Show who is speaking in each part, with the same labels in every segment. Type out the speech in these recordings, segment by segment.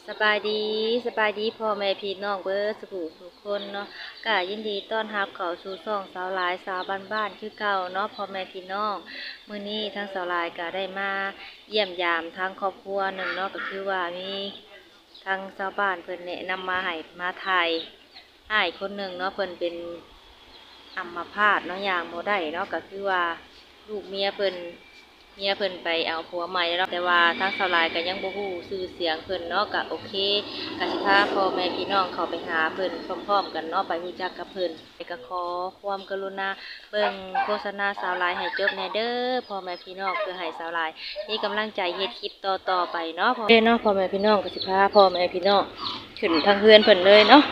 Speaker 1: สบายดีพ่อแม่พี่น้องเบิร์สุขทุกคนเนาะก็ยินดีต้อนรับเข้าสู่ช่องสาวหลายสาวบ้านๆคือเก่าเนาะพ่อแม่พี่น้องมื้อนี้ทั้งสาวหลายก็ได้มาเยี่ยมยามทางครอบครัวหนึ่งเนาะก็คือว่ามีทางชาวบ้านเพิ่นแนะนำมาให้มาถ่ายอ้ายคนหนึ่งเนาะเพิ่นเป็นอัมพาตเนาะย่างบ่ได้เนาะก็คือว่าลูกเมียเพิ่นไปเอาผัวใหม่แล้วแต่ว่าทางสาวหลายก็ยังบ่ฮู้ชื่อเสียงเพิ่นเนาะก็โอเคก็สิพาพ่อแม่พี่น้องเข้าไปหาเพิ่นพร้อมๆกันเนาะไปรู้จักกับเพิ่นก็ขอความกรุณาเบิ่งโฆษณาสาวหลายให้จบแน่เด้อพ่อแม่พี่น้องเพื่อให้สาวหลายมีกำลังใจเฮ็ดคลิปต่อๆไปเนาะพ่อแม่พี่น้องก็สิพาพ่อแม่พี่น้องขึ้นทางเฮือนเพิ่นเลยเนาะ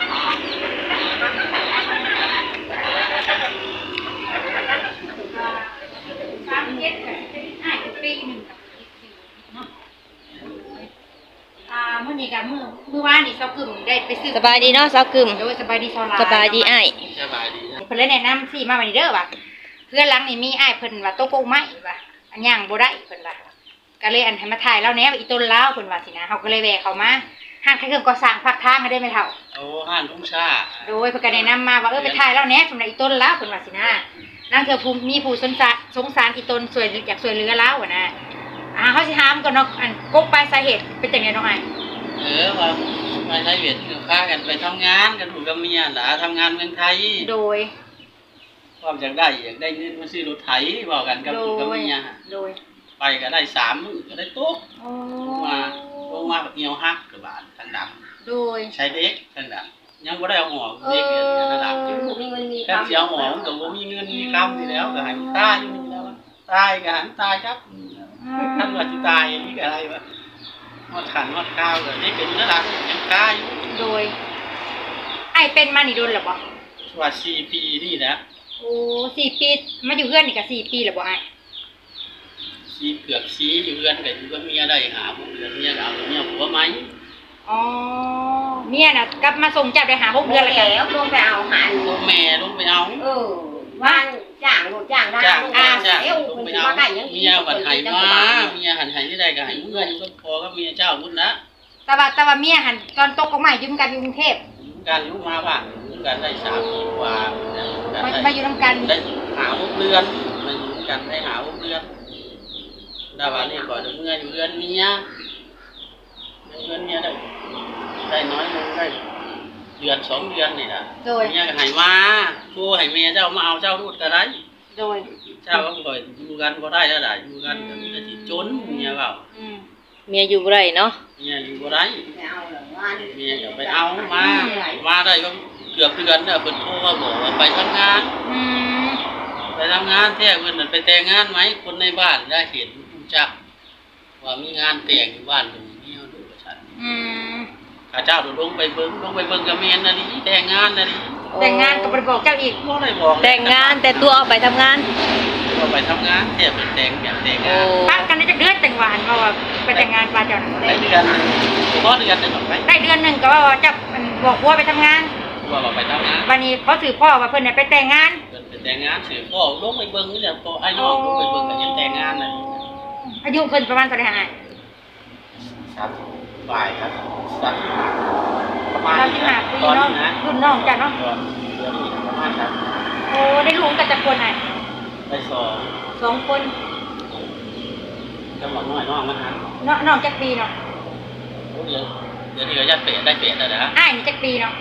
Speaker 2: มื้อนี้กับมื้อวานนี่เซากึ่มได้ไปซื้อ
Speaker 1: สบายดีเนาะสาวกึม
Speaker 2: โดยสบายดีเซาหลาย
Speaker 1: สบายดีอ้าย
Speaker 3: สบายดี
Speaker 2: เพิ่นเลยแนะนำสิมาวันนี้เด้อว่าเพื่อนหลังนี่มีอ้ายเพิ่นว่าโตโกไม้ว่าอันย่างบ่ได้เพิ่นว่าก็เลยอันให้มาถ่ายแล้วแหน่อีต้นลาวเพิ่นว่าสินะเฮาก็เลยแวะเข้ามาห้างขายเครื่องก่อสร้างภาคทางได้ไหมเฒ่า
Speaker 3: โอ้ห้านทุ่งชา
Speaker 2: โดยเพิ่นก็แนะนำมาว่าไปถ่ายแล้วแหน่สำหรับอีต้นลาวเพิ่นว่าสินะนางเธอภูมิมีผู้สงสารอีต้นช่วยอยากช่วยเหลือลาวอ่ะนะเฮาสิถามก่อนเนาะอันกกปลายสาเหตุเป็นจังได๋น้องอ้าย
Speaker 3: ว่ามาใช้เวียดคือค้ากันไปทำงานกันถูกกับเมียหล่ะทำงานเมืองไทย
Speaker 2: โดย
Speaker 3: ความอยากได้เงินมาซื้อรถไถบอกกันกับถูกกับเมีย
Speaker 2: โดย
Speaker 3: ไปก็ได้3 มื้อก็ได้ตกลงมาเหี่ยวฮักกระบาดทางดำ
Speaker 2: โดย
Speaker 3: ใช้เด็กทางดำยังบ่ได้เอาออกเด็กเนี่ยระดับ
Speaker 2: มีเงินมี
Speaker 3: คำเสียหอมก็บ่มีเงินมีคำนี่แล้วก็ให้ตายอยู่นี่แล้วตายก็หันตายครับท่านว่าสิตายนี่ก็อะไรวะฮอดขันฮอดข้าวก็นี่เป็นระดับยังตายอยู่
Speaker 2: โดยไอ้เป็นมานี่โดนหรอบ่
Speaker 3: ว่า4 ปีนี่แหละ
Speaker 2: โอ้4 ปีมาอยู่เพื่อนนี่ก็4 ปีแล้วบ่ไอ้
Speaker 3: เกือบ4อยู่เรือนก็อยู่กับเมียได้หาพวกเดือนเมียก็เอาเมียผัวใหม่
Speaker 2: อ๋อเมียน่ะกลับมาส่งจับได้หา6 เดือนแล้ว
Speaker 4: ลงไปเอาหา
Speaker 3: ลูกแม่ลงไปเอา
Speaker 4: ว่านจ้างรถจ้างได้
Speaker 3: เอ้าลงไปเอาเมียบัดให้มาเมียหันให้ที่ใดก็ให้เมื่ออยู่กับพ่อกับเมียเจ้าพุ่นนะ
Speaker 2: แต่ว่าเมียหันตอนตกกใหม่อยู่กันอยู่กรุงเทพ
Speaker 3: กันอยู่มาบ้านอยู่กันได้3 ปีกว่า
Speaker 2: มาอยู่นำกัน
Speaker 3: ได้หา6 เดือนมาอยู่กันได้หา6 เดือนดาว่านี่ก่อนเมื่ออยู่เรือนเมียได้น้อยลงได้เดือน2 เดือนนี่ล่ะเมียก็ให้มาโทรให้เมียเจ้ามาเอาเจ้ารูดก็ได้
Speaker 2: โดย
Speaker 3: เจ้าก็บ่อยู่กันบ่ได้แล้วล่ะอยู่กันก็มีแต่สิจนเมียเว้า
Speaker 1: เมียอยู่บ่ได้เนาะ
Speaker 3: เมียอยู่บ่ได้เมียก็ไปเอามาได้ก็เกือบเดือนแล้วเพิ่นโทรมาบอกว่าไปทำงานไปทำงานแท้เพิ่นน่ะไปแต่งงานไหมคนในบ้านได้เห็นรู้จักว่ามีงานแต่งอยู่บ้านตรงนี้เอาดูว่าซั่นข้าเจ้าลงไปเบิ่งกับแม่นน่ะนี่แต่งงานน่ะนี่
Speaker 2: แต่งงานก็บ่ได้บอกเจ้าอีก
Speaker 3: บ่ได้บอก
Speaker 1: แต่งงานแต่ตัวเอาไปทำงาน
Speaker 3: ไปทำงานแท้เพิ่นแต่งแบบแต่งงาน
Speaker 2: ปักกันได้จักเดือนแต่งหวานว่าไปแต่งงานปลาเจ้า
Speaker 3: ได้เดือนนึงบ่เดือนนึงไป
Speaker 2: ได้เดือนนึงก็ว่าจับบอกว่าไปทำงาน
Speaker 3: ว่าไปทำงาน
Speaker 2: วันนี้เขาถือพ่อว่าเพิ่นน่ะไปแต่งงาน
Speaker 3: เพิ่นไปแต่งงานถือพ่อลงไปเบิ่งนี่แหละพ่อไอ้น้องลงไปเบิ่งก็ยังแต่งงานน่ะ
Speaker 2: อายุเพิ่นประมาณเท่าใดฮะ
Speaker 3: ครับฝ่ายครับประมาณ
Speaker 2: 35 ปีเนาะรุ่นน้องจ้ะเนาะ
Speaker 3: ประมาณครับ
Speaker 2: โอ้ได้ลูกกันจักคนน่ะ
Speaker 3: ได้
Speaker 2: 2 คน
Speaker 3: จังหวัดน้อยน้องมันหัน
Speaker 2: น้องจักปีเนาะ
Speaker 3: โอ้เดี๋ยวนี้ก็ยัดเป็ดได้เป็ดแล้วนะ
Speaker 2: อ้ายนี่จักปีเนาะ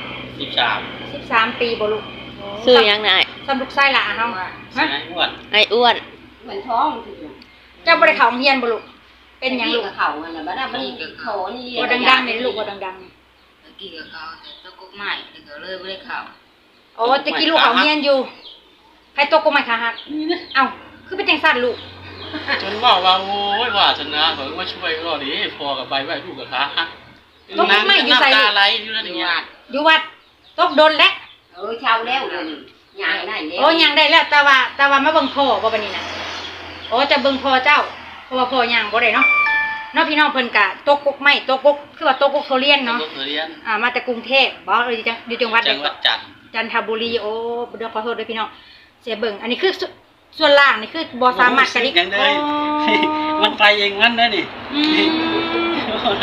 Speaker 2: 13 ปีบ่ลูก
Speaker 1: ชื่อหยังนาย
Speaker 2: สำลูกชายหล่ะเฮา
Speaker 3: ฮะ
Speaker 1: ไอ้อ้วน
Speaker 4: เหมือนท้อง
Speaker 2: เจ้าบ่ได้เข้าโรงเรียนบ่ลูกเป็นหยังลูก
Speaker 4: เข้านั่นน่ะบ่ได้มันโถนี่
Speaker 2: บ่ดังๆนี่ลูกบ่ดังๆนี่
Speaker 4: ตะกี้ก็เข้าแต่ตะกุกไม้ก็เลยบ่ได้เข้า
Speaker 2: โอ้ตะกี้ลูกเข้าโรงเรียนอยู่ใครตกกุกไม้ขาหักเอ้าคือเป็นจังซั่นลูก
Speaker 3: จนว่าโอ้ยว่าชนะเพิ่นมาช่วยก็ดิพอกับไปไว้ลูกกับขาหัก
Speaker 2: ตกกุกไม้อยู่ไส
Speaker 3: อะไรอยู่นั่นนี่
Speaker 2: อยู่วัดตกโดนแล้ว
Speaker 4: เช่าแล้วเดี๋ยวนี้ย่างได้แล้ว
Speaker 2: โอ้ย่างได้แล้วแต่ว่ามาเบิ่งพ่อบ่บัดนี้น่ะโอ้จะเบิ่งพ่อเจ้าเพราะว่าพ่อย่างบ่ได้เนาะพี่น้องเพิ่นก็ตกกุกไม้ตกกุกคือว่าตกกุกเขาเรียนเนาะมาจากกรุงเทพบ่อยู่จังหวัดใดก็จันทบุรีโอ้เดี๋ยวขอโทษด้วยพี่น้องเสียเบิ่งอันนี้คือส่วนล่างนี่คือบ่สามารถกระดิก
Speaker 3: มันไปเองมันได้นี่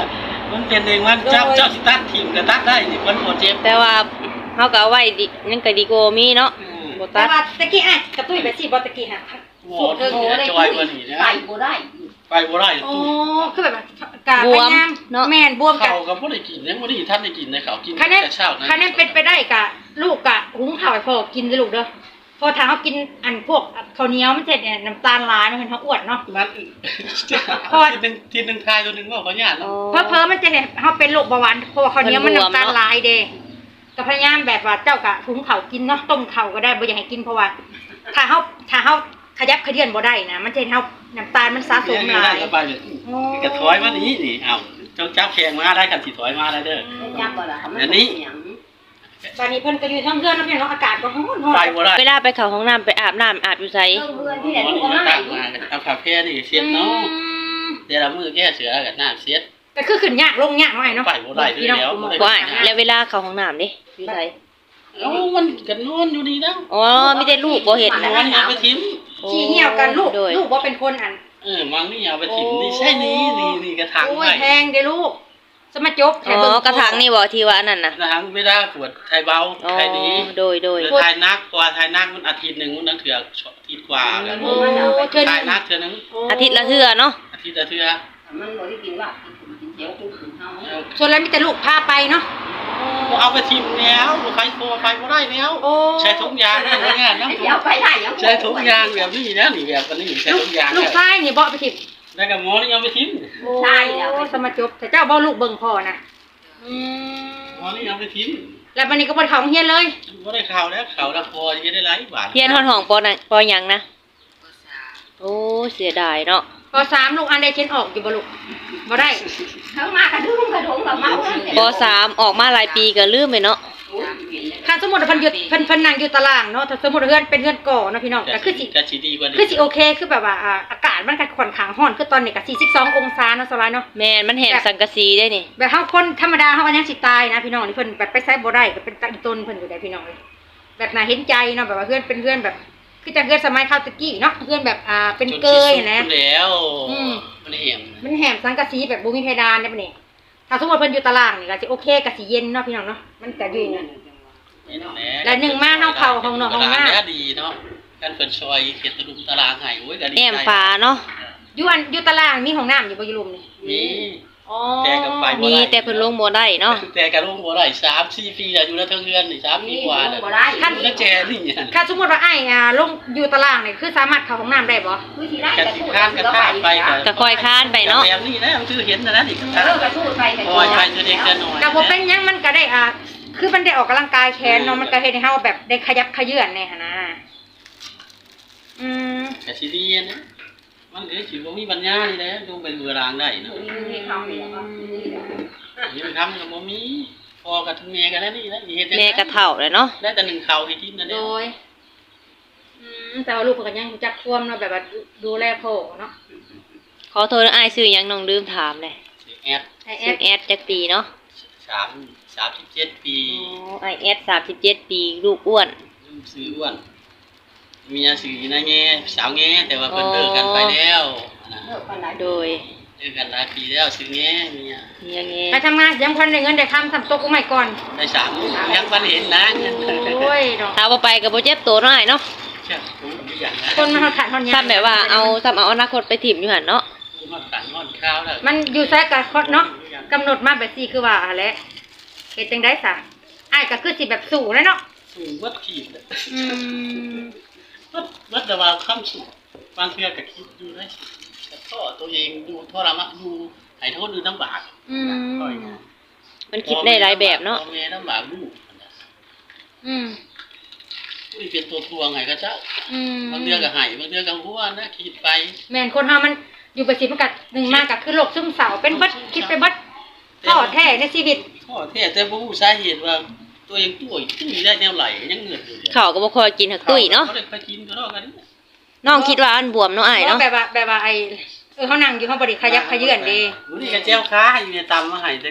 Speaker 3: มันเป็นเองมันเจ้าสิตัดถิ่มก็ตัดได้นี่มันบ่เจ็บ
Speaker 1: แต่ว่าเฮาก็เอาไว้ดิยังก็ดีกว่ามีเนาะบ่
Speaker 2: แต่
Speaker 1: ตัด
Speaker 2: ว่าตะกี้อ้ายกระตุ้ยแบบสิบ่ตะกี้ฮะ
Speaker 3: หมอที่จอยกว่านี้นะ
Speaker 4: ไปบ่ได้
Speaker 3: ไปบ่ได้
Speaker 2: โอ้
Speaker 3: ตู้
Speaker 2: คือแบบกะพยายามแม่นบวมกัน
Speaker 3: เขาก็บ่ได้กินยังบ่ได้ท่านได้กินนะเขากิน
Speaker 2: คะแนน
Speaker 3: แต่เช้านะ
Speaker 2: คะแนนเป็นไปได้กะลูกกะหุงข้าวให้พ่อกินเด้อลูกเด้อพอถ้าเฮากินอันพวกข้าวเหนียวมันจะเนี่ยน้ำตาลหลายมันเป็นเฮาอ้วนเนาะ
Speaker 3: มัน
Speaker 2: เพราะว่า
Speaker 3: ทีนึงทายตัวนึงว่าเขาญาติ
Speaker 1: อ๋อ
Speaker 2: เพ้อๆมันจะเนี่ยเฮาเป็นโรคเบาหวานเพราะว่าข้าวเหนียวมันน้ำตาลหลายเด้ก็พยายามแบบว่าเจ้ากะหุงข้าวกินเนาะต้มข้าวก็ได้บ่อยากให้กินเพราะว่า ถ้าเฮาขยับขยื่นบ่ได้นะมันจะเฮ็ดเฮาน้ำตาลมันสะสมหลาย
Speaker 3: ไปเลยกระถอยมานี่นี่เอาเจ้าจับแขงมาได้กันสิถอยมาได้เด้อ
Speaker 4: จับบ่ล่ะ
Speaker 3: อันนี้
Speaker 2: ตอนนี้เพิ่นก็อยู่ทั้งเรือนแล้วพี่น้องอากาศก็ร้อน
Speaker 3: ไปบ่ได้
Speaker 1: เวลาไปเข้าห้องน้ำไปอาบน้ำอาบอยู่ไส
Speaker 4: เพื่อนที่ไหน
Speaker 3: หมอ
Speaker 4: ลูก
Speaker 3: นี่
Speaker 4: ก็
Speaker 3: มา
Speaker 4: มา
Speaker 3: ตั้งมาเอาผ้าแพร่นี่เสียดเนาะเดี๋ยวเรามือแก้เสือกับน้ำเสียด
Speaker 2: ก็คือขึ้นยากลงยากหน่อยเนาะ
Speaker 3: ไปบ่ได้ด้วยแล้ว
Speaker 1: บ่อ้ายแล้วเวลาเข้าห้องน้ำเด้อยู่ไส
Speaker 3: เอ้ามันก็นอนอยู่นี่แล้ว
Speaker 1: อ๋อมีแต่ลูกบ่เห็น
Speaker 3: น
Speaker 1: นะ
Speaker 3: อนอย่าไปทิ้ม
Speaker 2: ขี้เหี่ยวกันลูก
Speaker 1: โดย
Speaker 2: ลูกบ่เป็นคนอัน
Speaker 3: มังนี่เอาไปทิ้มนี่ใช่นี่กระถาง
Speaker 2: โอ้
Speaker 3: ไว้
Speaker 2: ยแพงเด้อลูกสมาจบ
Speaker 1: อ๋อกระถางนี่บ่ที่ว่าอันนั้นน่ะ
Speaker 3: กระถางไม่ได้ปวดไทยเบา
Speaker 1: อ๋อ
Speaker 3: ไทยดี
Speaker 1: โดย
Speaker 3: หรือไทยนักกว่าไทยนักมันอาทิตย์นึงมันนั่งเถื่ออาทิตย์กว่ากัน
Speaker 2: โอ้เกิน
Speaker 3: ไทยนักเถื่อนึง
Speaker 1: อาทิตย์ละเทื่อเนาะ
Speaker 3: อาทิตย์ละเถื่อ
Speaker 4: มันบ่ได้กินว่ากินเจียวกินเฮา
Speaker 2: ส่วนแล้วมีแต่ลูกพาไปเนาะ
Speaker 3: เอาไปทิ้มแล้วใครโทรไปบ่ได้แล้ว
Speaker 2: โอ้
Speaker 3: ใช้ทุกอย่างนะงานนะ
Speaker 4: เดี๋ยวไปได้ยัง
Speaker 3: ใช้ทุกอย่างแบบนี้นะนี่แบบนี้ใช้
Speaker 2: ลูก
Speaker 3: ทุกอย่าง
Speaker 2: ลูกชายนี่บ่ไปทิพย์
Speaker 3: แล้วก็หมอนี่เอาไปทิ้ม
Speaker 4: ใช่แล้ว
Speaker 2: โอ้สมาจบแต่เจ้าบ่ลูกเบิ่งพ่อนะ
Speaker 3: หมอนี่เอาไปทิ้ม
Speaker 2: แล้ววันนี้ก็บ่ได้เข้าโรงเรียนเลย
Speaker 3: บ่ได้ข่าวแล้วข่าวละพอจะได้หลายบาท
Speaker 1: เฮียนฮอดห้องปอนั่นปอหยังนะโอ้เสียดายเนาะ
Speaker 2: ป .3 ลูกอันใดเขียนออกอยู่บ่ลูกบ่ได้
Speaker 4: ทั้งมากระดุมกระดงกับเมา
Speaker 1: ปสามออกมาหลายปีก็ลืมไปเนาะ
Speaker 2: ถ้าสมมุติว่าเพิ่นอยู่เพิ่นนั่งอยู่ตารางเนาะถ้าสมมุติว่าเฮือนเป็นเฮือนก่อเนาะพี่น้องก็คือสิ
Speaker 3: ก็สิดีกว่านี้
Speaker 2: คือสิโอเคคือแบบว่าอากาศมันก็ค่อนข้างร้อนคือตอนนี้ก็42องศาเนาะสบายเนาะ
Speaker 1: แม่นมันแหมสังกะสีได้นี่
Speaker 2: แบบเฮาคนธรรมดาเฮาก็ยังสิตายนะพี่น้องนี่เพิ่นแบบไปไสบ่ได้ก็เป็นตาอีต้นเพิ่นอยู่ได้พี่น้องเลยแบบน่าเห็นใจเนาะแบบว่าเฮือนเป็นเฮือนแบบคือจังเฮือนสมัยคราวตะกี้เนาะเฮือนแบบเป็นเกยนะ
Speaker 3: แล้วมันเหี่ยม
Speaker 2: มันแหมสังกะสีแบบบ่มีเพดานได้ปะนี่ถ้าสมมุติเพิ่นอยู่ตารางนี่ก็สิโอเคก็สิเย็นเนาะพี่น้องเนาะมันก็อยู่ แล้วหนึ่งมาเฮาเข้าห้องนอนห้องน้ำ
Speaker 3: ดีเนาะกันเพิ่นซอยเฮ็ดตะลุมตารางให้โอ้ยก็ดี
Speaker 1: แอมฟ้าเนาะ
Speaker 2: อยู่ตารางมีห้องน้ำอยู่บ่อยู่รุมนี่
Speaker 3: มี
Speaker 2: อ๋อ
Speaker 3: แต่กับไฟ
Speaker 1: มีแต่เพิ่นลงบ่ได้เนาะ
Speaker 3: แต่ก็ลงบ่ได้3-4ปีแล้วอยู่แล้วทั้งเรือนนี่3ปีกว่าแล้ว
Speaker 4: บ่ได้
Speaker 3: แล้วแจนี่
Speaker 2: ถ้าสมมุติว่าอ้ายลงอยู่ตารางนี่คือสามารถเข้าห้องน้ำได้บ่
Speaker 4: คือสิได้
Speaker 3: กันสิข้านกันท่าไป
Speaker 1: ก็ค่อยค้านไปเนาะ
Speaker 3: แบบนี้นะมันคือเห็นนะนี่ก็ท่า
Speaker 4: กระชูดไปกัน
Speaker 3: คอยไปจะเด็กจะน้อย
Speaker 2: ก็บ่เป็นหยังมันก็ได้คือมันได้ออกกำลังกายแขนเนาะมันก็เฮ็ดให้เฮาแบบได้ขยับขยื่นแน่หั่นนะอืม
Speaker 3: แต่สิดีนะมันคือสิบ่มีปัญญานี่แหละดูเป็นเบือรางได้เนาะ
Speaker 4: มีคำนี่แล้วก็
Speaker 3: นี่มันทำกับบ่มีพอกับแม่กันแล้วนี่นะเฮ็ด
Speaker 1: แม่ก็เฒ่าแล้วเนาะ
Speaker 3: ได้แต่หนึ่งข้าวให้กินนั่น
Speaker 2: โด
Speaker 3: แหละ
Speaker 2: ยแต่ว่าลูกเพิ่นก็ยังรู้จักท่วมเนาะแบบว่าดูแลพ่อเนาะ
Speaker 1: ขอโทษอ้ายชื่อหยังน้องลืมถามเลย
Speaker 3: แอด
Speaker 2: ไอ้แอ
Speaker 1: ชื่อ
Speaker 2: ด
Speaker 1: แอดจักปีเนาะ
Speaker 3: 37 ปี
Speaker 1: อ๋อไอแอด37 ปีลูกอ้วน
Speaker 3: ซื้ออ้วนเมียซื้อนะแง่สาวแง่แต่ว่าเพิ่นเลิกกันไปแล้วนะ
Speaker 4: เลิกกันได้
Speaker 1: โดย
Speaker 3: เลิกกันหลายปีแล้วซื้อแง่เมีย
Speaker 1: ยังไง
Speaker 2: ไปทำงานยังพันได้เงินได้คำทำตกกูใหม่ก่อน
Speaker 3: ได้3ยังบ่เห็นนะเงิน
Speaker 2: โอ้ยเนาะ
Speaker 1: ถ้าบ่ไปก็บ่เจ็บตัวน้อยเนาะ
Speaker 3: เชื่อผมมีอย่างนะ
Speaker 2: คนมันขาดทอนยา
Speaker 1: ซ้ำแบบว่าเอาอนาคตไปถิ่มอยู่หั่นเนาะ
Speaker 3: มันตันงอนข้าวแล้ว
Speaker 2: มันอยู่แท้กับคนเนาะกำหนดมาแบบสี่คือว่าอะไรเฮ็ดจังได้ซะอ้ายก็คือสิแบบสู่แล้วเนาะ
Speaker 3: สูงวัดขีด
Speaker 2: อืม
Speaker 3: วัดแต่ว่าคำสูงบางเทื่อก็คิดอยู่ได้แต่ท่อตัวเองดูทรมานดูให้โทษดูลำบาก
Speaker 2: อืม
Speaker 1: มันคิดได้หลายแบบเนาะ
Speaker 3: พ่อแม่ลำบากลูก
Speaker 2: อืม
Speaker 3: ผู้ที่เป็นตัวทวงไงก็เจ้า
Speaker 2: อืม
Speaker 3: บางเทื่อก็ให้บางเทื่อก็หัวนะคิดไป
Speaker 2: แม่นคนเฮามันอยู่ไปสิมันก็หนึ่งมากก็คือโรคซึมเศร้าเป็นเบิดคิดไปเบิดท้อแท้ในชีวิต
Speaker 3: ข้อแท้แต่บ่รู้สาเหตุว่าตัวเองตุ้ยได้แนวไหลยังเหนื่อยอยู่
Speaker 1: ข้าวก็บ่ค่อยกินหักตุ้ยเนาะ
Speaker 3: เขาได้ไปกินก็รอกันนี่
Speaker 1: น้องคิดว่าอันบวมเนาะอ้ายเนาะ
Speaker 2: แบบว่าไอ้เฮานั่งอยู่เฮาบ่ได้ขยับขยื่นเด้
Speaker 3: นี่ก็แจ้วค้าอยู่ในตำมาให้แต่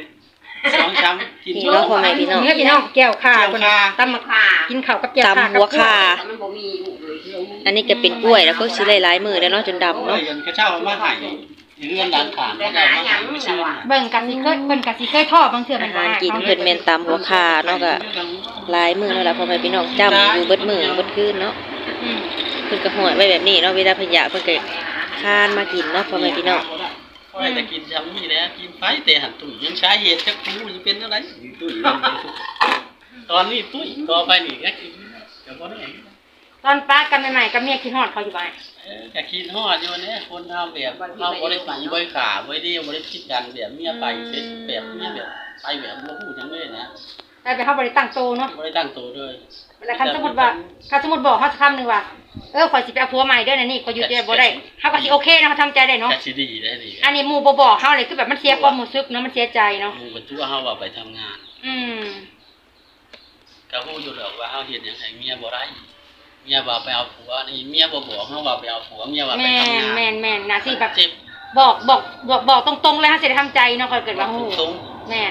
Speaker 3: 2ช้ำกิน
Speaker 1: นี่เนาะพ่อแม่พี่น้อง
Speaker 2: เนื้อพี่น้องแก้วข่า
Speaker 3: แก้ว
Speaker 2: คน
Speaker 3: ข่า
Speaker 2: ตำมะข่ากินข้าวกับแก้วข่า
Speaker 1: ตำหัวข่า
Speaker 4: มันบ่มีอยู่เลย
Speaker 1: อันนี้ก็เป็นกล้วยแล้วก็สิหลายๆมื้อแล้วเนาะจนดำ
Speaker 3: โอ้
Speaker 1: เนาะ
Speaker 3: ยยังกระเช้ามาให้เรื่องร้านขางก็ได้มาหาไม่ชื่อ
Speaker 2: เบิ่งกันสิเคยเพิ่นก็สิเคยทอดบางเทื่อ
Speaker 1: อา
Speaker 2: มัน
Speaker 1: หารกินเพิ่นแม่นตามหัวขาเนาะก็หลายมื้อแล้วล่ะพ่อแม่พี่น้องจ้ำอยู่เบิดมื้อเบิดคืนเนาะ
Speaker 2: อืม
Speaker 1: เพิ่นก็ห้อยไว้แบบนี้เนาะเวลาเพิ่นอยากเพิ่นก็คานมากินเนาะพ่อแม่พี่น้อง
Speaker 3: ก็ให้แต่กินจำนี่แหละกินไปแต่หันตุ้ยยังใช้เหตุจักกูจะเป็นอะไรตุ้ยตอนนี้ตุ้ยต่อไปนี่ก็กินก็บ่ได้
Speaker 2: ตอนป้ากันใหม่ๆกับเมียคิดฮอดเขาอยู่บ้าน
Speaker 3: ก็กินฮอดอยู่เนี่ยคนทำแบบเราบ่ได้ตีบ่ได้ขาบ่ได้บ่ได้คิดกันแบบเมียไปเซ็ตแบบเมียแบบไปแบบบ่ฮู้จังเลยนะ
Speaker 2: แต่ไปเฮาบ่ได้ตั้งโตเนาะ
Speaker 3: บ่ได้ตั้งตัวเลย
Speaker 2: แล้วคันสมมุติว่าบอกเฮาสักคำนึงว่าข่อยสิไปเอาผัวใหม่เด้อนะนี่ข่อยอยู่แต่บ่ได้เฮาก็สิโอเคเนาะเฮาทำใจได้เนาะ
Speaker 3: ก็สิดีได้ดี
Speaker 2: อันนี้หมู่บ่บอกเฮาเลยคือแบบมันเสียความรู้สึกเนาะมันเสียใจเนาะ
Speaker 3: หมู่ก็ตัวเฮาว่าไปทำงาน
Speaker 2: อืม
Speaker 3: ก็ฮู้อยู่ดอกว่าเฮาเฮ็ดหยังให้เมียบ่ได้เมียว่าไปเอาผัวนี่เมียบ่บอกเฮาว่าไปเอาผัวเมียว่าไป
Speaker 2: แม่
Speaker 3: ทำงาน
Speaker 2: นแม่นแม่นน่ะสิแบบ
Speaker 3: เจ็บ
Speaker 2: บอกตรงๆเลยเฮาสิได้ทำใจเนาะข่อยเกิดว่าฮู้
Speaker 3: ตรง
Speaker 2: แม่น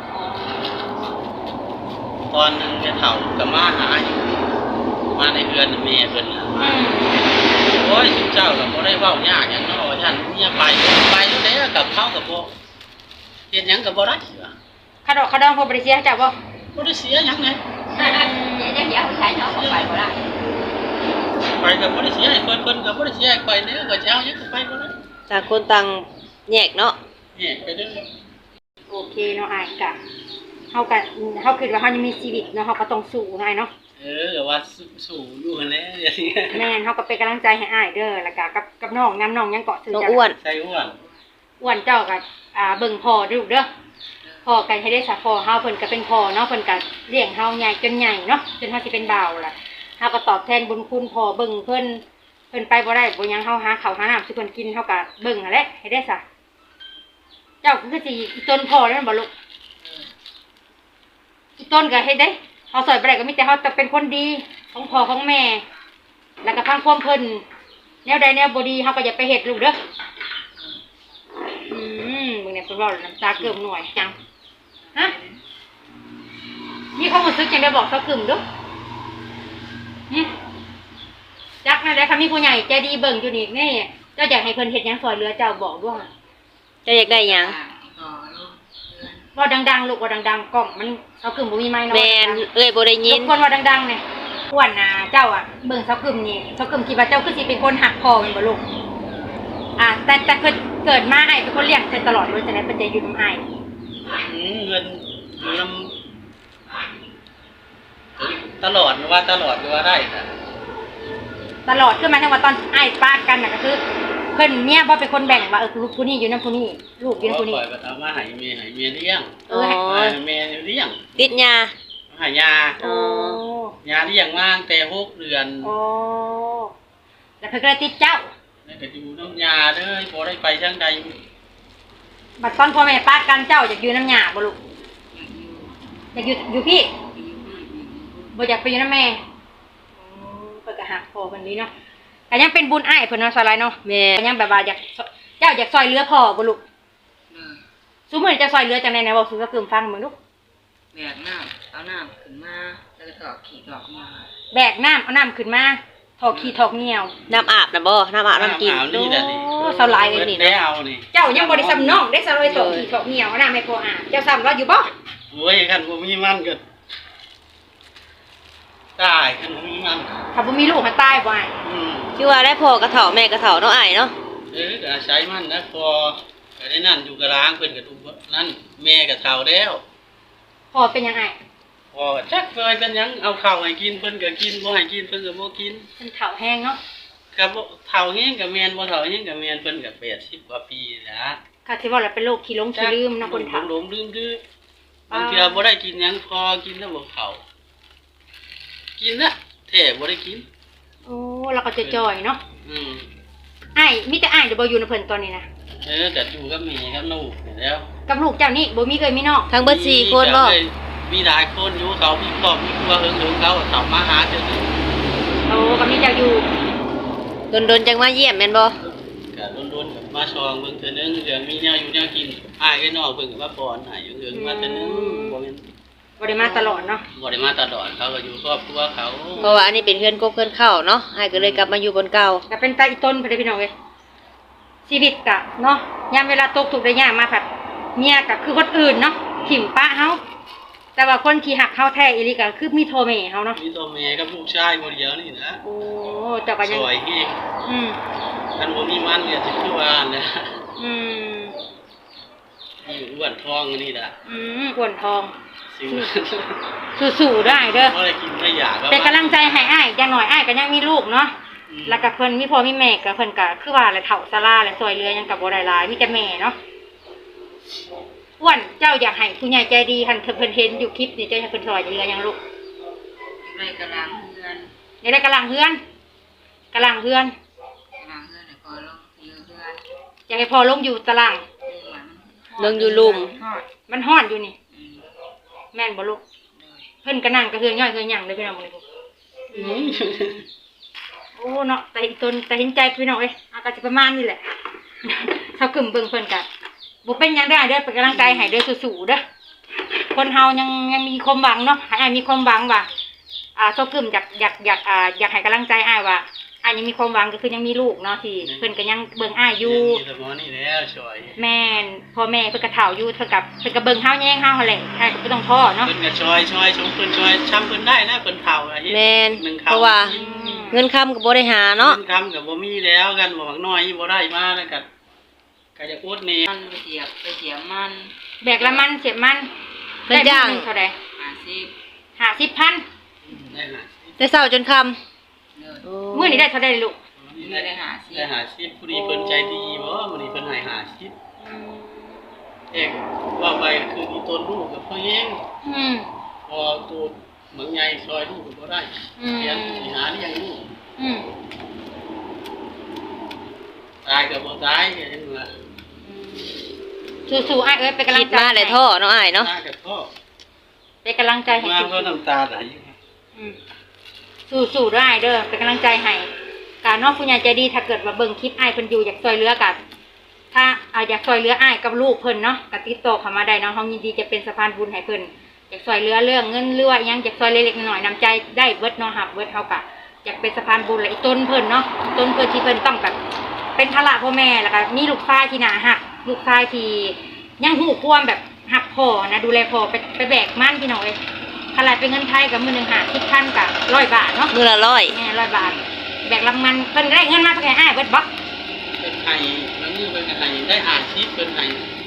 Speaker 3: ตอนนึงแกเฒ่าก็มาหาอยู่มาในเรือนแม่เพิ่นน่ะ
Speaker 2: อืม
Speaker 3: โอ้ยสุเจ้าก็บ่ได้เว้ายากหยังเนาะท่านเมียไปแล้วกับเขาก็บ่เฮ็ดหยังก็บ่ได้ว่ะ
Speaker 2: ขาดอกขาดองพอบ่ได้เสียให้เจ้าบ่
Speaker 3: บ่ได้เสียหยังเลย
Speaker 4: เดี๋ยวใช้เนาะไปบ่ได้
Speaker 3: ไปก็บ่ได้เสียให้เพิ่นก็บ่ได้เสียให้ไปแล้วก็จะเอาหยังก็ไปบ่ได้
Speaker 1: ต่างคนต่างแยกเนาะ
Speaker 3: แยกไปเด้อ
Speaker 2: โอเคเนาะอ้ายกะเฮาคิดว่าเฮายังมีชีวิตเนาะเฮาก็ต้องสู้อ้ายเนาะ
Speaker 3: ก็ว่าสู้อยู่หั่นแหละอย่างนี้
Speaker 2: แม่นเฮาก็เป็นกำลังใจให้อ้ายเด้อแล้วก็กับน้องน้ำน้องยังเกาะถือ
Speaker 1: น้อง
Speaker 2: จ้ะ
Speaker 1: อ้วน
Speaker 3: ใช่อ้วน
Speaker 2: อ้วนเจ้าก็เบิ่งพ่อเด้อลูกเด้อพ่อก็ให้ได้สะพ่อเฮาเพิ่นก็เป็นพ่อเนาะเพิ่นก็เลี้ยงเฮาใหญ่จนใหญ่เนาะจนเฮาสิเป็นบ่าวล่ะเฮาก็ตอบแทนบุญคุณพ่อเบิ่งเพิ่นไปบ่ได้บ่หยังเฮาหาข้าวหาน้ำสิเพิ่นกินเฮาก็เบิ่งนั่นแหละให้ได้ซะเจ้าคือสิอีต้นพ่อแล้วบ่ลูกอีต้นก็ให้ได้เฮาสอยบ่ได้ก็มีแต่เฮาจะเป็นคนดีของพ่อของแม่ แล้วก็พังความเพิ่นแนวใดแนวบ่ดีเฮาก็อย่าไปเฮ็ดลูกเด้อมึงเนี่ยเพิ่นเว้าแล้วน้ำตาเกิ่มหน่อยจังฮะมีความรู้สึกจังได้บอกเซากึ่มเด้อจักนะได้ค่ะมีผู้ใหญ่ใจดีเบิ่งอยู่นี่แน่เจ้าอยากให้เพิ่นเฮ็ดหยังซอยเหลือเจ้าบอกด้วย
Speaker 1: จะอยากได้หยัง
Speaker 2: เว้าดังๆลูกเว้าดังๆกล้องมันเซากึ่มบ่มีไมค์เนาะ
Speaker 1: แม่นเอ้ยบ่ได้ยิน
Speaker 2: ทุกคนเว้าดังๆเนี่ยอ้วนน่ะเจ้าเบิ่งเซากึ่มนี่เซากึ่มคิดว่าเจ้าคือสิเป็นคนหักพ่อแม่นบ่ลูกแต่เกิดมาอ้ายเป็นคนเลี้ยงเพิ่นตลอดเลยจังได๋เพิ่นจะอยู่นำอ้าย
Speaker 3: เงินอยู่นำตลอดว่าตลอดว่าได้ค่ะ
Speaker 2: ตลอดคือหมายถึงว่าตอนอ้ายปากันน่ะก็คือเพิ่นเมียบ่เป็นคนแบ่งว่าลูกผู้นี้อยู่นำผู้นี้ลูกอยู่นำผู้นี้
Speaker 3: ปล่อยไปเอามาให้เมียเลี้ยง
Speaker 1: อ๋อ
Speaker 3: เมียเลี้ยง
Speaker 1: ติดยา
Speaker 3: หายา
Speaker 1: อ๋อ
Speaker 3: ยาเลี้ยงมาตั้งแต่6เดือน
Speaker 2: โอ้แล้วเพิ่นก็เลยติดเจ้า
Speaker 3: แล้วก็อยู่น้ำยาเด้อบ่ได้ไปทางใด
Speaker 2: บัดตอนพ่อแม่ปากันเจ้าอยากอยู่น้ำหญ้าบ่ลูกอยากอยู่พี่บ่อยากไปอยู่น้ำแม่เพิ่นก็หักพ่อเพิ่นนี้เนาะก็ยังเป็นบุญอ้ายเพิ่นเนาะสลายเนาะ
Speaker 1: แม่
Speaker 2: ก็ยังแบบว่าเจ้าอยากซอยเหลือพ่อบ่ลูกซุมื้อนี้จะซอยเหลือจังได๋นะบอกสู่กึ่มฟังมึงลูก
Speaker 4: แบกน้ำเอาน้ำขึ้นมาแล้วก็ถอดขี่ถอดมา
Speaker 2: แบกน้ำเอาน้ำขึ้นมาถอกขี้ถอกเหนียว
Speaker 1: น้ำอาบนะบ่น้ำอาบน้ำกิน
Speaker 3: นี่แหละนี่
Speaker 2: โอ้สลายเลยนี่
Speaker 3: ได้เอานี่
Speaker 2: เจ้ายังบ่ได้ซ้ำน้องได้สลายถอกขี้ถอกเหนียวเอาน้ำให้พ่ออาบเจ้าซ้ำเราอยู่บ่
Speaker 3: โอ้ยคันบ่มีมันก็ตายคันบ่มีมัน
Speaker 2: ถ้าบ่มีลูกมันตายบ่อ้าย
Speaker 1: คือว่าได้พ่อกระเฒ่าแม่กระเฒ่าเนาะอ้ายเนาะ
Speaker 3: ก็อาศัยมันนะพอก็ได้นั่นอยู่กับล้างเพิ่นก็ทุกนั่นแม่ก็เฒ่าแล้ว
Speaker 2: พ่อเป็นยังไง
Speaker 3: พอก็จักเคยเป็นหยังเอาข้าวให้กินเพิ่นก็กินบ่ให้กินเพิ่นก็บ่กิน
Speaker 2: เป็นเฒ่าแห้งเนาะ
Speaker 3: ก็บ่เฒ่าแฮงก็แม่นบ่เฒ่าแฮงก็แม่นเพิ่นก็80กว่าปีแล้ว
Speaker 2: ค่ะที่ว่าเราเป็นโรคขี้หลงขี้ลืมเนาะคนเฒ่า
Speaker 3: หลงลืมดื้อบางเทื่อบ่ได้กินหยังพอกินแล้วบ่เข้ากินนะแท้บ่ได้กิน
Speaker 2: โอ้เราก็จะจ่อยเนาะ
Speaker 3: อืม
Speaker 2: อ้ายมีแต่อ้ายเดี๋ยวบ่อยู่ในเพิ่นตอนนี้นะ
Speaker 3: ก็อยู่กับแม่กับลูกนี่แล้ว
Speaker 2: กับลูกเจ้านี่บ่มีเคยมีน้อง
Speaker 1: ทั้งเบิด4คนบ่
Speaker 3: มีหลายคนอยู่เขามีครอบมีครัวเฮิงๆเขาเขามาหาเทื่อนึง
Speaker 2: โอ้ก็มีเจ้าอยู่
Speaker 1: โดนๆจังมาเยี่ยมแม่นบ่
Speaker 3: ก็โดนๆกับมาชองเบิ่งเทื่อนึงเรื่องมีแนวอยู่แนวกินอ้ายไอ้น้องเพิ่นก็มาป้อนให้อยู่เรื่องมาเทื่อนึงบ่แม่น
Speaker 2: บ่ได้มาตลอดเนาะ
Speaker 3: บ่ได้มาตลอดเขาก็อยู่ครอบครัวเขา
Speaker 1: เพราะว่าอันนี้เป็นเพื่อนกบเพื่อนเข้าเนาะอ้ายก็เลยกลับมาอยู่บนเก่า
Speaker 2: แต่เป็นตาอีต้นไปได้พี่น้องเว้ยชีวิตกะเนาะยามเวลาตกทุกข์ได้ยากมาผัดเมียก็คือคนอื่นเนาะถิ่มป้าเฮาแต่ว่าคนที่หักเฮาแท้อีหลีก็คือมีโทแม่เฮาเนาะ
Speaker 3: มีตัวแม่กับลูกชายคนเดียวนี่นะ
Speaker 2: โอ้เจ้าก็ยัง
Speaker 3: สวยเฮง
Speaker 2: อืม
Speaker 3: กันบ่มีมันเนี่ยสิคือว่านะ
Speaker 2: อืม
Speaker 3: อยู่อ้วนทองอันนี่ล่ะ
Speaker 2: อ้วนทอง
Speaker 3: สิว
Speaker 2: สู้ๆได้เด้อ
Speaker 3: บ่ได้กินได้อยาก
Speaker 2: เป็นกำลังใจให้อ้ายอย่างน้อยอ้ายก็ยังมีลูกเนาะแล้วก็เพิ่นมีพ่อมีแม่ก็เพิ่นก็คือว่าแหละเฒ่าซาลาและซอยเรือหยังก็บ่ได้หลายมีแต่แม่เนาะอ้วนเจ้าอยากให้ผู้ใหญ่ใจดีคันเพิ่นเห็นอยู่คลิปนี่เจ้าให้เพิ่นซอยเรือหยังลูก
Speaker 4: ได้กำลังเฮือน
Speaker 2: อยากได้กำลังเฮือนกำลังเฮือน
Speaker 4: กำลังเฮือนเนี่ยพอลงอยู่เฮือน
Speaker 2: อยากให้พ่อลงอยู่ตาราง
Speaker 1: เบิ่งอยู่ลุม
Speaker 4: ทอด
Speaker 2: มันฮ้อนอยู่นี่
Speaker 4: อืม
Speaker 2: แม่นบ่ลูก
Speaker 4: เลย
Speaker 2: เพิ่นก็นั่งก็เฮือนย่อยเฮือนหยังเลยพี่น้องมื้อนี้โอ้เนาะแต่เห็นใจพี่น้องเอ้ยอาก็สิประมาณนี้แหละ เฮากึ่มเบิ่งเพิ่นก็บ่เป็นหยังได้เด้อเป็นกำลังใจให้เด้อสู้ๆเด้อคนเฮายังมีความหวังเนาะให้อ้ายมีความหวังว่าเฮากึ่มอยากให้กำลังใจอ้ายว่าอ้ายยังมีความหวังก็คือยังมีลูกเนาะที่เพิ่นก็ยังเบิ่งอ้ายอยู่
Speaker 3: มีแต่หมอนี่แล้วสวย
Speaker 2: แม่นพ่อแม่เพิ่นก็เฒ่าอยู่เพิ่นก็เบิ่งเฮาแย่งเฮาหั่นแหละอ้ายก็บ่ต้องท้อเนาะ
Speaker 3: เพิ่นก็ช่วยชมเพิ่นช่วยช้ำเพิ่นได้นะเพิ่นเฒ่าอะเฮ็ด
Speaker 1: แม่น
Speaker 3: หนึ่ง
Speaker 1: เพราะว่าเงินค้ำก็บ่ได้หาเนาะ
Speaker 3: เงินคำก็บ่มีแล้วกันบ่มักน้อยบ่ได้มาแล้วก็จะอดนี่
Speaker 4: มันไปเสียบมัน
Speaker 2: แบกละมันเสียบมัน
Speaker 1: เพิ่นจ้าง
Speaker 2: ได้มื้อหนึ่เท่าใด
Speaker 4: 50
Speaker 2: 50,000
Speaker 3: ได้หา
Speaker 1: แต่เช้าจนค่ำ
Speaker 4: เลย
Speaker 2: มื้อนี้ได้เท่าใดลูก
Speaker 3: ได้หาชิปผู้ดีเพิ่นใจดีบ่มื้อนี้เพิ่นให้หาชิปเอกว่าไปคืออีต้นลูกกับพ่อเอง
Speaker 2: อืม
Speaker 3: พอตัวเหมืองใหญ่ซอยลูกก็บ่ได้เรียนสิหาเลี้ยงลูก
Speaker 2: อืม
Speaker 3: ตายก็บ่ตายก็ยังว่า
Speaker 2: สู้ๆอ้ายเอ้ยเป็นกำลั
Speaker 1: คิ
Speaker 2: ง
Speaker 1: ด
Speaker 2: ใจ
Speaker 1: มาได้ท่อเนาะอ้ายเนาะ
Speaker 3: ตายก็พ่อ
Speaker 2: เป็นกำลังใจให้
Speaker 3: มา
Speaker 2: สู้
Speaker 3: เพราะน้ำตาไหล
Speaker 2: อืมสู้ๆได้เด้อเป็นกำลังใจให้การนอกผู้ใหญ่ใจดีถ้าเกิดว่าเบิ่งคลิปอ้ายเพิ่นอยู่อยากช่วยเหลือกันถ้าอยากช่วยเหลืออ้ายกับลูกเพิ่นเนาะก็ติดต่อเข้ามาได้เนาะเฮายินดีจะเป็นสะพานบุญให้เพิ่นอยากช่วยเหลือเรื่องเงินหรือว่าอิหยังอยากช่วยเล็กๆน้อยๆน้ำใจได้เบิดเนาะครับเบิดเฮาก็อยากเป็นสะพานบุญและอีต้นเพิ่นเนาะต้นเพิ่นที่เพิ่นต้องแบบเป็นภาระพ่อแม่แล้วก็มีลูกชายที่น่ารักลูกชายที่ยังฮู้ความแบบรักพ่อนะดูแลพ่อไปแบกมันพี่น้องเอ้ยขนาดเป็นเงินไทยกับมื้อหนึง50,000กับ100 บาทเนาะ
Speaker 1: มื้อละ100
Speaker 2: แม่100 บาทแบกลำมันเพิ่นได้เงินมาเพิ่นให้อ้ายเบิดบ่
Speaker 3: เป็นไห้แล้วนี่เป็นไห้ได้หาชิปเป็นไห้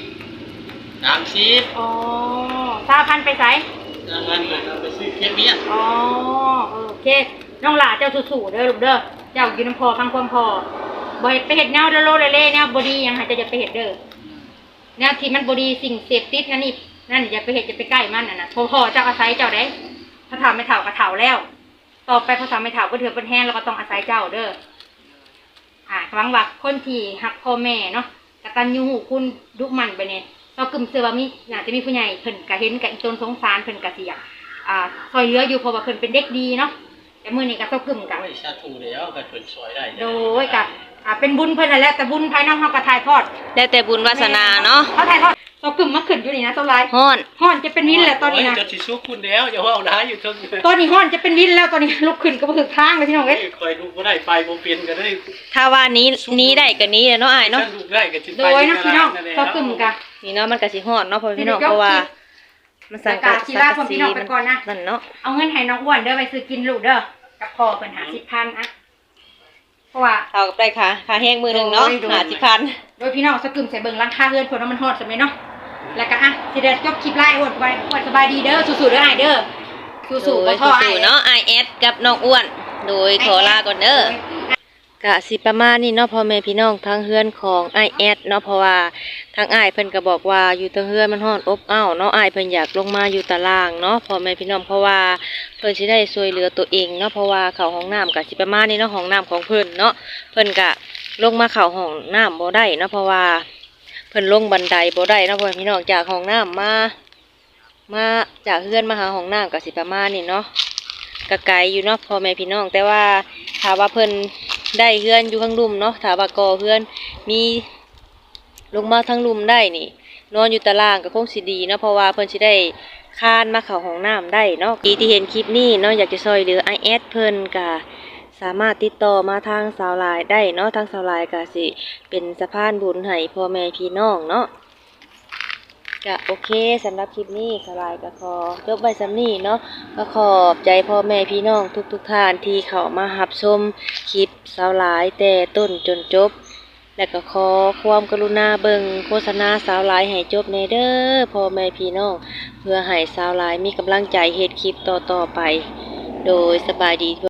Speaker 3: 30
Speaker 2: อ๋อ20,000ไปไส
Speaker 3: แล้วมันเอาไปซื้อเค้กเบี้ย
Speaker 2: อ๋อโอเคน้องหลาเจ้าสู้ๆเด้อลูกเด้อเจ้าอยู่นำพ่อฟังความพ่อบ่เฮ็ดไปเฮ็ดแนวเด้อโลเล่ๆแนวบ่ดีหยังให้เจ้าอย่าไปเฮ็ดเด้อแนวที่มันบ่ดีสิ่งเสพติดนั่นนี่นั่นอย่าไปเฮ็ดอย่าไปใกล้มันน่ะนะพ่อเจ้าอาศัยเจ้าได้ถ้าถามไม่เฒ่าก็เฒ่าแล้วต่อไปพอถามไม่เฒ่าก็เถือเป็นแห้งแล้วก็ต้องอาศัยเจ้าเด้อหวังว่าคนที่ฮักพ่อแม่เนาะกตัญญูรู้คุณดุมันไปเนี่ยเรากึ่มเชื่อว่ามีน่าจะมีผู้ใหญ่เพิ่นก็เห็นกับอีตนสงสารเพิ่นก็สิอยากซอยเหลืออยู่เพราะว่าเพิ่นเป็นเด็กดีเนาะแต่มื้อนี้ก็เซากึ่มกัน
Speaker 3: โอ้ยชาถูแล้วก็เพิ่นช่วยได้
Speaker 2: โดยก็เป็นบุญเพิ่นนั่นแหละแต่บุญภายนอกเฮาก็ถ่ายทอด
Speaker 1: แล้วแต่บุญวาสนาเนาะ
Speaker 2: เฮาถ่ายทอดเซากึ่มมาขึ้นอยู่นี่นะเซาหลาย
Speaker 1: ฮ้อน
Speaker 2: ฮ้อนจะเป็นวินแล้วตอนนี้นะ
Speaker 3: จะสิชุกคุณแล้วอย่าว่าเอาได้อยู่เทิง
Speaker 2: ตอนนี้ฮ้อนจะเป็นวินแล้วตอนนี้ลุกขึ้นก็บ่ถึกทางเลยพี่น้องเอ้ย
Speaker 3: คอยดูบ่ได้ไปบ่เป็นก็ได้
Speaker 1: ถ้าว่านี้ได้ก็นี้เนาะอ้ายเนาะ
Speaker 3: ฉัดูได้ก็สิ
Speaker 2: โด
Speaker 3: ไป
Speaker 2: ยนะพี่น้องเซากึ่มกัน
Speaker 1: นี่เนาะมันก็สิฮ้อนเนาะพ่อพี่น้องเพราะว่ามันสังกัด
Speaker 2: ชีลาผมพี่น้องไปก่อนนะ
Speaker 1: นั่นเนาะ
Speaker 2: เอาเงินให้น้องอ้วนเด้อไปซื้อกินลูกเด้อกับพ่อเพิ่น50,000อะเพราะว่า
Speaker 1: เท่ากับได้ค่าแห้งมื้อหนึงเนาะ50,000
Speaker 2: โดยพี่น้องสกึมใส่เบิ่งราคาเฮือนเพิ่นว่ามันฮอดซั่นแม่เนาะแล้วก็สิได้จบคลิปไลฟ์อ้วนไปอ้วนสบายดีเด้อสู้ๆเด้ออ้ายเด้อสู้ๆบ่ท้ออ้าย
Speaker 1: เนาะ IS กับน้องอ้วน โดยขอลาก่อนเด้อกะสิประมาณนี้เนาะพ่อแม่พี่น้องทางเฮือนของ IS เนาะเพราะว่าทางอ้ายเพิ่นก็บอกว่าอยู่ทางเฮือนมันร้อนอบอ้าวเนาะอ้ายเพิ่นอยากลงมาอยู่ตารางเนาะพ่อแม่พี่น้องเพราะว่าเพิ่นสิได้ช่วยเหลือตัวเองเนาะเพราะว่าเข้าห้องน้ำก็สิประมาณนี้เนาะห้องน้ำของเพิ่นเนาะเพิ่นก็ลงมาเข้าห้องน้ำบ่ได้เนาะเพราะว่าเพิ่นลงบันไดบ่ได้เนาะพ่อแม่พี่น้องจากห้องน้ำมาจากเฮือนมาหาห้องน้ำก็สิประมาณนี้เนาะก็ไกลอยู่เนาะพ่อแม่พี่น้องแต่ว่าถ้าว่าเพิ่นได้เฮือนอยู่ข้างลุ่มเนาะถ้าว่าก่อเฮือนมีลงมาทั้งลุ่มได้นี่นอนอยู่ตารางก็คงสิดีเนาะเพราะว่าเพิ่นสิได้คานมาเข้าห้องน้ำได้เนาะที่เห็นคลิปนี้เนาะอยากจะช่วยเหลือ IS เพิ่นก็สามารถติดต่อมาทางสาวหลายได้เนาะทางสาวหลายก็สิเป็นสะพานบุญให้พ่อแม่พี่น้องเนาะก็โอเคสำหรับคลิปนี้สาวหลายก็ขอจบไว้สำนี้เนาะก็ขอบใจพ่อแม่พี่น้องทุกท่านที่เข้ามารับชมคลิปสาวหลายแต่ต้นจนจบและก็ขอความกรุณาเบิ่งโฆษณาสาวหลายให้จบในเด้อพ่อแม่พี่น้องเพื่อให้สาวหลายมีกำลังใจเฮ็ดคลิปต่อๆไปโดยสบายดี